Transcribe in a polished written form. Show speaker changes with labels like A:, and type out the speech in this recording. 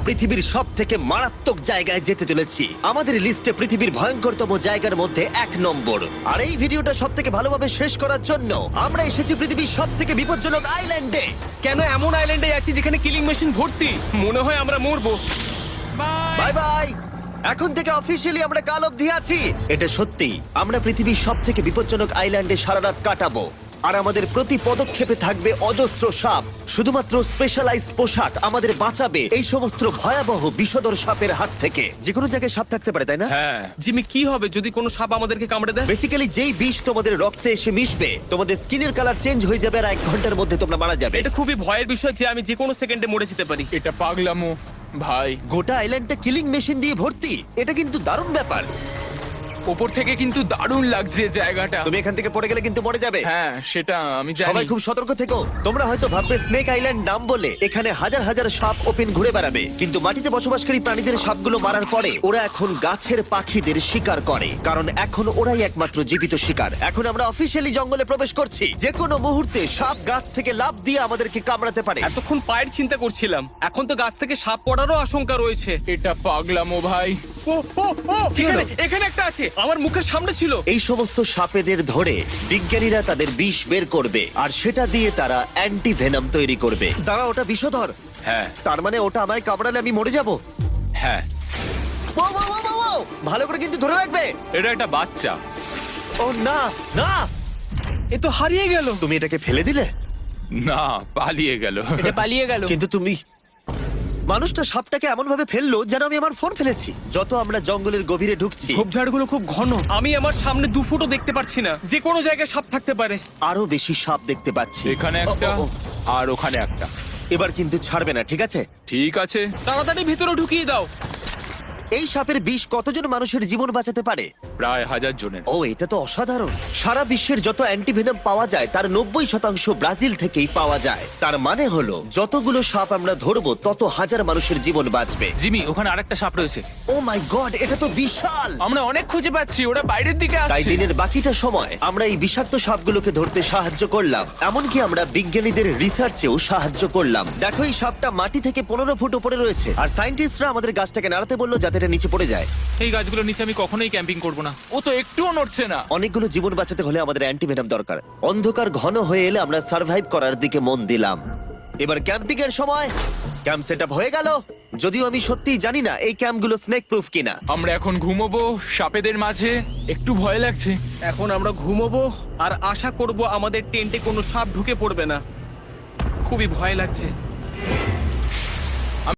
A: পৃথিবীর সবথেকে মারাত্মক জায়গায় যেতে চলেছি। আমাদের লিস্টে পৃথিবীর ভয়ঙ্করতম জায়গার মধ্যে 1 নম্বর। আর এই ভিডিওটা সবথেকে ভালোভাবে শেষ করার জন্য আমরা এসেছি পৃথিবীর সবথেকে বিপজ্জনক আইল্যান্ডে।
B: কেন এমন আইল্যান্ডে আছি যেখানে কিলিং মেশিন ভর্তি? মনে হয় আমরা মরবো।
A: Bye bye. এখন থেকে অফিসিয়ালি আমরা কাল অবধি আছি। এটা সত্যি, আমরা পৃথিবীর সবথেকে বিপজ্জনক আইল্যান্ডে সারা রাত কাটাবো। আর আমাদের প্রতি পদক্ষেপে থাকবে অজস্র সাপ। শুধুমাত্র স্পেশালাইজড পোশাক আমাদের বাঁচাবে এই সমস্ত ভয়াবহ বিষধর সাপের হাত থেকে। যে কোনো জায়গায় সাপ থাকতে পারে, তাই না?
B: হ্যাঁ জিমি, কি হবে যদি কোনো সাপ আমাদেরকে কামড়ে দেয়?
A: বেসিক্যালি যেই বিষ তোমাদের রক্তে এসে মিশবে, তোমাদের স্কিনের কালার চেঞ্জ হয়ে যাবে আর 1 ঘন্টার মধ্যে তোমরা মারা যাবে।
B: এটা খুবই ভয়ের বিষয় যে আমি যে কোনো সেকেন্ডে মরে যেতে পারি।
C: এটা পাগলামো ভাই।
A: গোটা আইল্যান্ডটা কিলিং মেশিন দিয়ে ভর্তি। এটা কিন্তু দারুণ ব্যাপার।
C: ওপর থেকে কিন্তু দারুণ লাগছে জায়গাটা।
A: তুমি এখান থেকে পড়ে গেলে কিন্তু মরে যাবে।
C: হ্যাঁ সেটা আমি জানি।
A: সবাই খুব সতর্ক থেকো। তোমরা হয়তো ভাববে স্নেক আইল্যান্ড নাম বলে এখানে হাজার হাজার সাপ ওপেন ঘুরে বেড়াবে, কিন্তু মাটিতে বসবাসকারী প্রাণীদের সাপগুলো মারার পরে ওরা এখন গাছের পাখিদের শিকার করে, কারণ এখন ওরাই একমাত্র জীবিত শিকার। এখন আমরা অফিসিয়ালি জঙ্গলে প্রবেশ করছি। যে কোনো মুহূর্তে সাপ গাছ থেকে লাফ দিয়ে আমাদেরকে কামড়াতে পারে।
B: এতক্ষণ পায়ের চিন্তা করছিলাম, এখন তো গাছ থেকে সাপ পড়ারও আশঙ্কা রয়েছে।
C: এটা পাগলামো ভাই।
B: ও ও ও, এখানে একটা আছে, আমার মুখের সামনে ছিল।
A: এই সমস্ত সাপেদের ধরে বিজ্ঞানীরা তাদের বিষ বের করবে, আর সেটা দিয়ে তারা অ্যান্টি ভেনাম তৈরি করবে। দাঁড়া, ওটা বিষধর।
C: হ্যাঁ
A: তার মানে ওটা আমায় কামড়ালে আমি মরে যাব?
C: হ্যাঁ।
A: ও, ও, ও, ও, ও! ভালো করে কিন্তু ধরে রাখবে।
C: এটা একটা বাচ্চা।
A: ও না না,
B: এ তো হারিয়ে গেল।
A: তুমি এটাকে ফেলে দিলে?
C: না, পালিয়ে গেল।
D: এটা পালিয়ে গেল।
A: কিন্তু তুমি, মানুষটা সাপটাকে এমন ভাবে ফেললো যেন আমি আমার ফোন ফেলেছি। যত আমরা জঙ্গলের গভীরে ঢুকছি,
B: ঝোপঝাড়গুলো খুব ঘন, আমি আমার সামনে 2 ফুটও দেখতে পারছি না। যে কোনো জায়গায় সাপ থাকতে পারে।
A: আরো বেশি সাপ দেখতে পাচ্ছি।
C: এখানে
A: ও,
C: একটা
A: ও, ও।
C: আর ওখানে একটা।
A: এবার কিন্তু ছাড়বে না, ঠিক আছে?
C: ঠিক আছে।
B: তাড়াতাড়ি ভিতরে ঢুকিয়ে দাও।
A: এই সাপের বিষ কতজন মানুষের জীবন বাঁচাতে পারে?
C: প্রায় 1000 জনের।
A: ও, এটা তো অসাধারণ। সারা বিশ্বের যত অ্যান্টিভেনম পাওয়া যায় তার 90% ব্রাজিল থেকেই পাওয়া যায়। তার মানে হলো যতগুলো সাপ আমরা ধরবো তত হাজার মানুষের জীবন বাঁচবে।
C: জিমি, ওখানে আরেকটা সাপ রয়েছে।
A: ও মাই গড, এটা তো বিশাল।
C: আমরা অনেক খুঁজে পাচ্ছি, ওরা বাইরের দিকে
A: তাই
C: আসছে।
A: দিনের বাকিটা সময় আমরা এই বিষাক্ত সাপগুলোকে ধরতে সাহায্য করলাম। এমনকি আমরা বিজ্ঞানীদের রিসার্চেও সাহায্য করলাম। দেখো, এই সাপটা মাটি থেকে 15 ফুট উপরে রয়েছে, আর সায়েন্টিস্টরা আমাদের গাছটাকে নাড়াতে বললো যাতে এটা নিচে পড়ে যায়।
C: এই গাছগুলোর নিচে আমি কখনোই ক্যাম্পিং করব না। ও তো একটুও নড়ছে না।
A: অনেকগুলো জীবন বাঁচাতে হলে আমাদের অ্যান্টিভেনম দরকার। অন্ধকার ঘন হয়ে এলে আমরা সার্ভাইভ করার দিকে মন দিলাম। এবার ক্যাম্পিং এর সময়। ক্যাম্প সেটআপ হয়ে গেল, যদিও আমি সত্যিই জানি না এই ক্যাম্পগুলো স্নেক প্রুফ কিনা।
C: আমরা এখন ঘুমোবো সাপেদের মাঝে। একটু ভয় লাগছে।
B: এখন আমরা ঘুমোবো আর আশা করব আমাদের টেন্টে কোনো সাপ ঢুকে পড়বে না। খুবই ভয় লাগছে।